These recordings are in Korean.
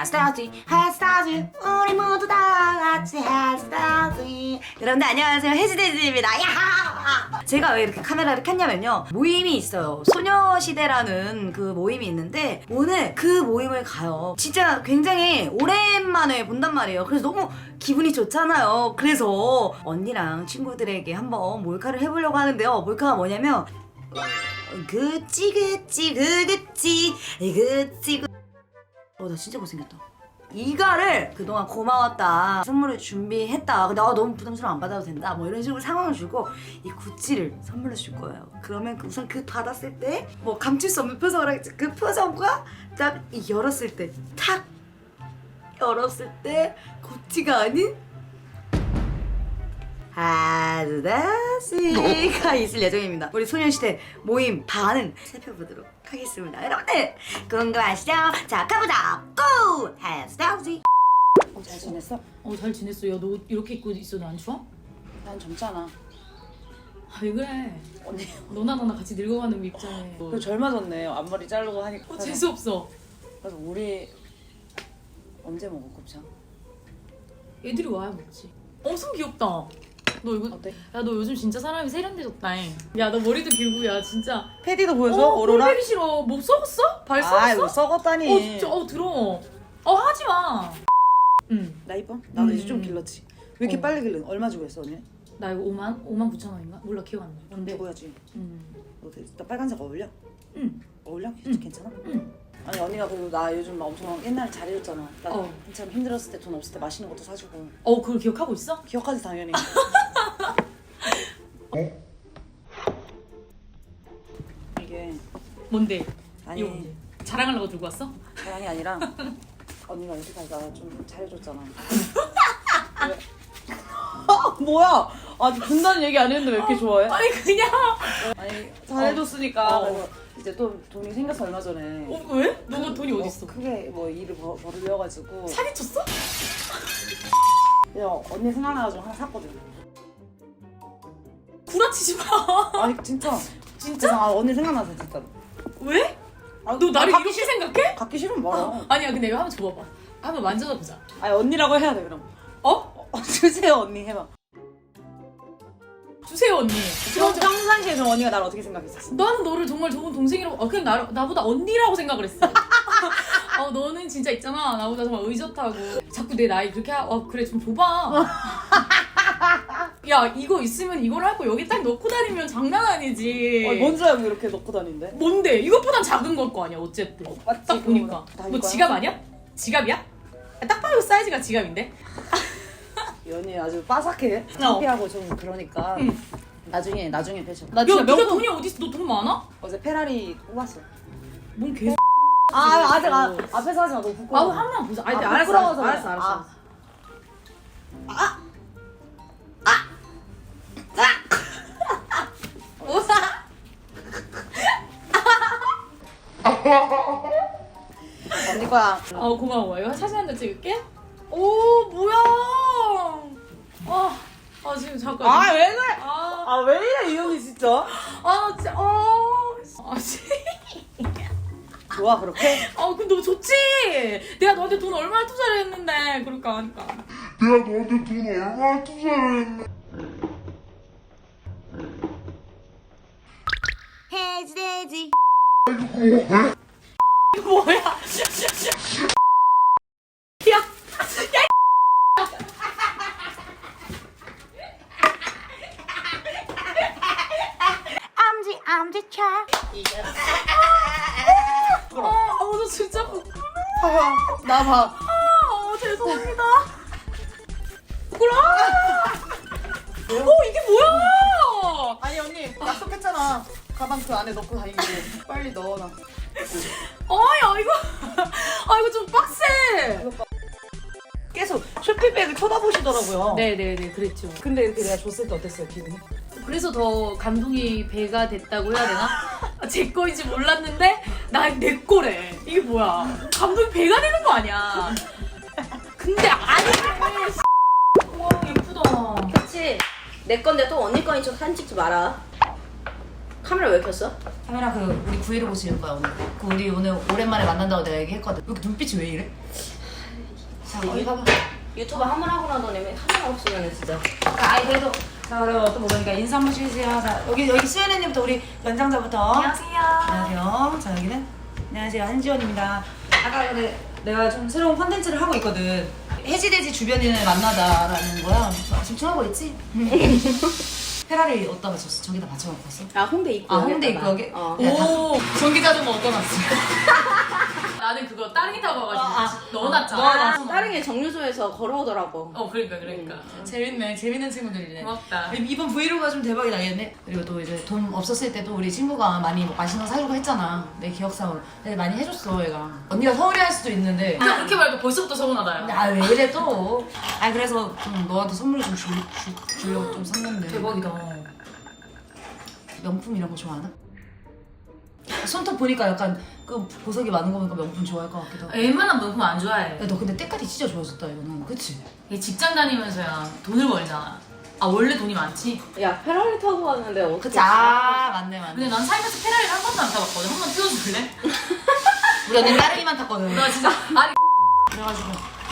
핫스타즈 핫스타즈 우리 모두 다 같이 핫스타즈. 여러분들 안녕하세요, 해지돼지입니다. 야하! 제가 왜 이렇게 카메라를 켰냐면요, 모임이 있어요. 소녀시대라는 그 모임이 있는데 오늘 그 모임을 가요. 진짜 굉장히 오랜만에 본단 말이에요. 그래서 너무 기분이 좋잖아요. 그래서 언니랑 친구들에게 한번 몰카를 해보려고 하는데요. 몰카가 뭐냐면 그치 나 진짜 못생겼다. 이가를 그동안 고마웠다, 선물을 준비했다, 근데 너무 부담스러워 안 받아도 된다, 뭐 이런 식으로 상황을 주고 이 구찌를 선물로 줄 거예요. 그러면 우선 그 받았을 때 뭐 감출 수 없는 표정을 하겠지. 그 표정과 딱 열었을 때, 탁 열었을 때 구찌가 아닌 하드다시가 있을 예정입니다. 우리 소녀시대 모임 반응 살펴보도록 하겠습니다. 여러분들 궁금하시죠? 자, 가보자. 고! 하드다시. 잘 지냈어? 잘 지냈어. 야, 너 이렇게 입고 있어도 안 추워? 난 젊잖아. 아, 왜 그래? 언니. 너나 같이 늙어가는 입장에. 그 젊어졌네. 앞머리 자르고 하니까. 재수없어. 그래서 우리 언제 먹어 곱창? 애들이 와야 먹지. 엄청 귀엽다. 너 이거 어때? 야, 너 요즘 진짜 사람이 세련돼졌다. 야, 너 머리도 길고, 야 진짜. 패디도 보여줘? 오로라? 꼴보기 싫어. 목 썩었어? 발 썩었어? 아이고 썩었다니. 진짜 더러워. 하지 마. 응. 나 이뻐? 나도 이제 좀 길렀지. 왜 이렇게 어. 빨리 길렀? 얼마 주고 했어 언니? 나 이거 5만 9천 원인가? 몰라, 기억 안 나. 근데 주고야지. 응. 나 빨간색 어울려? 응. 어울려? 응. 괜찮아? 응. 아니 언니가 그리고 나 요즘 막 엄청 옛날에 잘해줬잖아. 나 어. 한참 힘들었을 때 돈 없을 때 맛있는 것도 사주고. 그걸 기억하고 있어? 기억하지 당연히. 이게 뭔데? 아니 이거 뭔데? 자랑하려고 들고 왔어? 자랑이 아니라 언니가 여태까지 나 좀 잘해줬잖아. 왜? 뭐야? 아직 군다는 얘기 안 했는데 왜 이렇게 좋아해? 아니 그냥. 아니 잘해줬으니까. 어. 그래서 이제 또 돈이 생겼어 얼마 전에. 왜? 너가 돈이 어딨어? 크게 뭐 일을 벌이려가지고 사기쳤어? 그냥 언니 생각나가지고 하나 샀거든. 구라치지 마. 아니 진짜 진짜? 언니 생각나서 진짜로. 왜? 아, 너 나를 갖기 이렇게 생각해? 갖기 싫으면 말아. 아니야, 근데 이거 한번 줘봐봐. 한번 만져봐 보자. 아니 언니라고 해야 돼 그럼. 주세요 언니 해봐. 주세요, 언니. 평상시에 그럼 언니가 나를 어떻게 생각했었어? 나는 너를 정말 좋은 동생이라고, 그냥 나보다 언니라고 생각을 했어. 너는 진짜 있잖아, 나보다 정말 의젓하고. 자꾸 내 나이 그렇게 그래, 좀 줘봐. 야, 이거 있으면 이걸 할 거 여기 딱 넣고 다니면 장난 아니지. 뭔 줄 알고 이렇게 넣고 다닌대? 뭔데? 이것보단 작은 걸 거 아니야, 어쨌든. 맞지, 딱 보니까. 다 뭐 이거야? 지갑 아니야? 지갑이야? 딱 봐도 사이즈가 지갑인데? 이 언니 아주 빠삭해. 창피하고 좀 그러니까. 응. 나중에 펼쳐. 야, 네가 돈이 어딨어? 너 돈 많아? 어제 페라리 뽑았어. 뭔 개소. 아직 앞에서 하지 마. 너무 부끄러워. 한번 보자. 아니, 부끄러워서 그래. 알았어. 언니 거야. 고마워. 이거 사진 한 장 찍을게. 오, 뭐야? 지금 잠깐. 왜 그래? 왜 이래 이 언니 진짜? 진짜. 좋아 그렇게? 근데 너 좋지? 내가 너한테 돈 얼마나 투자를 했는데 그럴까 하니까. 내가 너한테 돈 얼마나 투자를 했는데. 해지돼지. 뭐야? 야, 엄지척. 너 진짜 나 봐. 죄송합니다. 부끄러워. 이게 뭐야? 아니 언니 약속했잖아. 가방 그 안에 넣고 다니기로. 빨리 넣어놔. 야, 이거 좀 빡세. 계속 쇼핑백을 쳐다보시더라고요. 네네네, 그랬죠. 근데 이렇게 내가 줬을 때 어땠어요 기분이? 그래서 더 감동이 배가 됐다고 해야 되나? 제 거인지 몰랐는데 내 거래. 이게 뭐야? 감동이 배가 되는 거 아니야? 근데 아니네. 와, 예쁘다. 그치? 내 건데 또 언니 거인 척 사진 찍지 마라. 카메라 왜 켰어? 카메라 우리 브이로그 찍을 거야 오늘. 우리 오늘 오랜만에 만난다고 내가 얘기했거든. 왜 이렇게 눈빛이 왜 이래? 자, 거기 가봐. 유튜브 한 번 하고 나더니 하나 없으면 진짜. 아이 그래도 자 그리고 또 먹으니까 인사 한번 해주세요. 자 여기 수연이님부터 우리 연장자부터. 안녕하세요. 안녕하세요. 자 여기는 안녕하세요 한지원입니다. 아까 근데 내가 좀 새로운 컨텐츠를 하고 있거든. 해지돼지 주변인을 만나다라는 거야. 집중하고 있지? 페라리 어디다 맞췄어? 저기다 맞춰놓고 왔어? 아 홍대 입구. 아 홍대 입구역에? 어. 오, 전기자전거 어디다 놨어? 나는 그거 따릉이 타고 와가지고 아, 넣어놨잖아. 넣어놨어. 다른 게 정류소에서 걸어오더라고. 그러니까. 재밌네. 재밌는 친구들이네. 고맙다. 이번 브이로그가 좀 대박이 나겠네. 그리고 또 이제 돈 없었을 때도 우리 친구가 많이 맛있는 거 사주고 했잖아. 내 기억상으로. 근데 많이 해줬어 얘가. 언니가 서운해 할 수도 있는데. 그냥 그렇게 말고 벌써부터 서운하다. 근데 아 왜 그래 또? 아 그래서 좀 너한테 선물 좀 주려고 좀 샀는데. 대박이다. 명품 이런 거 좋아하나? 손톱 보니까 약간 그 보석이 많은 거 보니까 명품 좋아할 것 같기도 하고. 웬만한 명품 안 좋아해. 야, 너 근데 때깔이 진짜 좋아졌다 이거는. 그치? 얘 직장 다니면서야 돈을 벌잖아. 아 원래 돈이 많지. 야 페라리 타고 왔는데 어떻게? 그치? 아 맞네 맞네. 근데 난 살면서 페라리를 한 번도 안 타봤거든. 한 번 태워줄래? 우리 언니 따릉이만 탔거든. 나 진짜 아니 그래가지고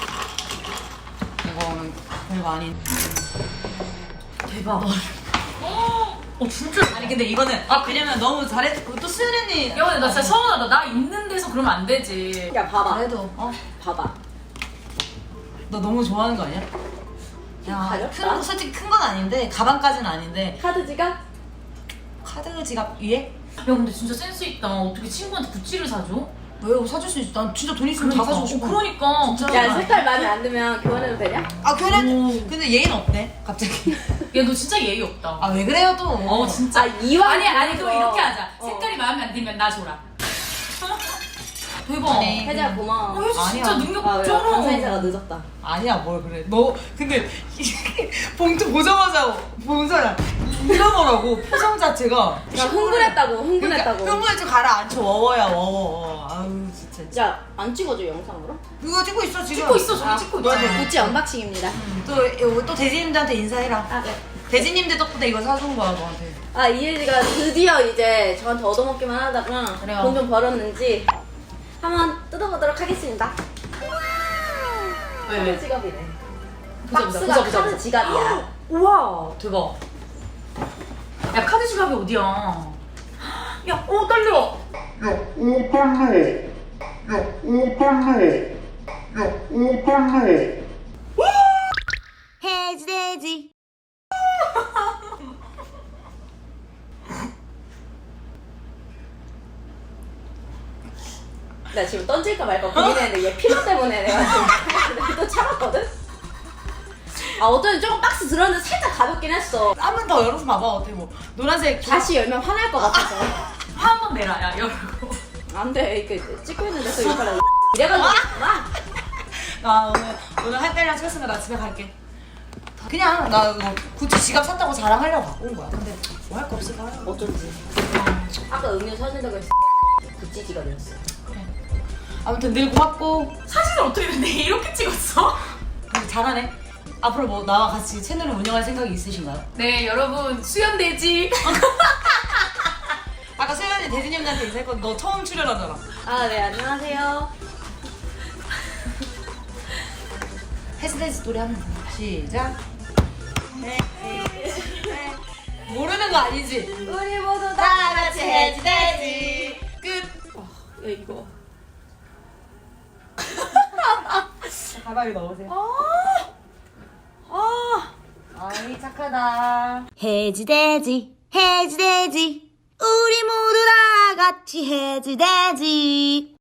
이거는 별거 아닌. 대박. 진짜. 아니 근데 이거는 왜냐면 너무 잘해. 또 수연 언니. 야 근데 나 진짜 서운하다. 나 있는 데서 그러면 안 되지. 야 봐봐. 그래도 봐봐. 너 너무 좋아하는 거 아니야? 야, 가볍다. 솔직히 큰 건 아닌데 가방까지는 아닌데 카드 지갑? 카드 지갑 위에? 야 근데 진짜 센스 있다. 어떻게 친구한테 구찌를 사줘? 왜 사줄 수 있어? 난 진짜 돈 있으면 다 사주고 싶어. 그러니까. 진짜. 야 색깔 마음에 안 들면 교환해도 되냐? 아 교환. 오. 근데 얘는 어때? 갑자기. 야 너 진짜 예의 없다. 아 왜 그래요 또? 진짜. 아 이왕. 아니 그럼 그거. 이렇게 하자. 어. 색깔이 마음에 안 들면 나 줘라. 대박. 아니. 혜지야 고마워. 혜지 진짜 아니야. 능력 아, 왜 쩔어. 감사 인사가 늦었다. 아니야 뭘 그래. 너 근데 봉투 보자마자 본사야 이러더라고 표정 자체가. 야 흥분했다고 흥분했다고. 그러니까 흥분해서 가라앉혀 워워야 워워. 아유 진짜. 야 안 찍어줘 영상으로? 이거 찍고 있어 지금. 찍고 있어 저기 찍고 있어. 구찌 언박싱입니다. 또 대지님들한테 인사해라. 아 네. 대지님들 덕분에 이거 사준 거야 너한테. 아 이혜지가 드디어 이제 저한테 얻어먹기만 하다가 그래요. 돈 좀 벌었는지 한번 뜯어보도록 하겠습니다. 왜? 카드 지갑이네. 보자, 박스가 보자. 카드 지갑이야. 우와 대박. 야 카드 지갑이 어디야? 야 떨려. 야, 오 떨려. 야, 오 떨려. 야, 오 떨려. 해지돼지. 나 지금 던질까 말까 고민했는데 얘 피로 때문에 내가 지금 또 참았거든? 아 어쩐지 조금 박스 들었는데 살짝 가볍긴 했어. 한 번 더 열어서 봐봐 어떻게 뭐 노란색. 다시 열면 화날 것 같아서. 화 한 번 내라 야 열고. 안돼 이렇게 찍고 있는 데서 이렇게 이래가지고 막 나 오늘 할 때랑 찍었으면 나 집에 갈게. 그냥 나 이거 구찌 지갑 샀다고 자랑하려고 갖고 온 거야. 근데 뭐 할 거 없이 가요. 어쩐지. 아까 음료 사준다고 했어. 구찌 지갑이었어. 아무튼 늘 고맙고. 사진을 어떻게 근데 이렇게 찍었어? 근데 잘하네. 앞으로 뭐 나와 같이 채널을 운영할 생각이 있으신가요? 네 여러분 수연돼지. 아까 수연이 대진님한테 인사했거든. 너 처음 출연하잖아. 아 네 안녕하세요. 해지돼지 노래 한번 시작. 모르는 거 아니지? 우리 모두 다 같이 해지돼지 끝. 야 이거. 가방에 넣으세요. 아이 착하다. 해지돼지 해지돼지 우리 모두 다 같이 해지돼지.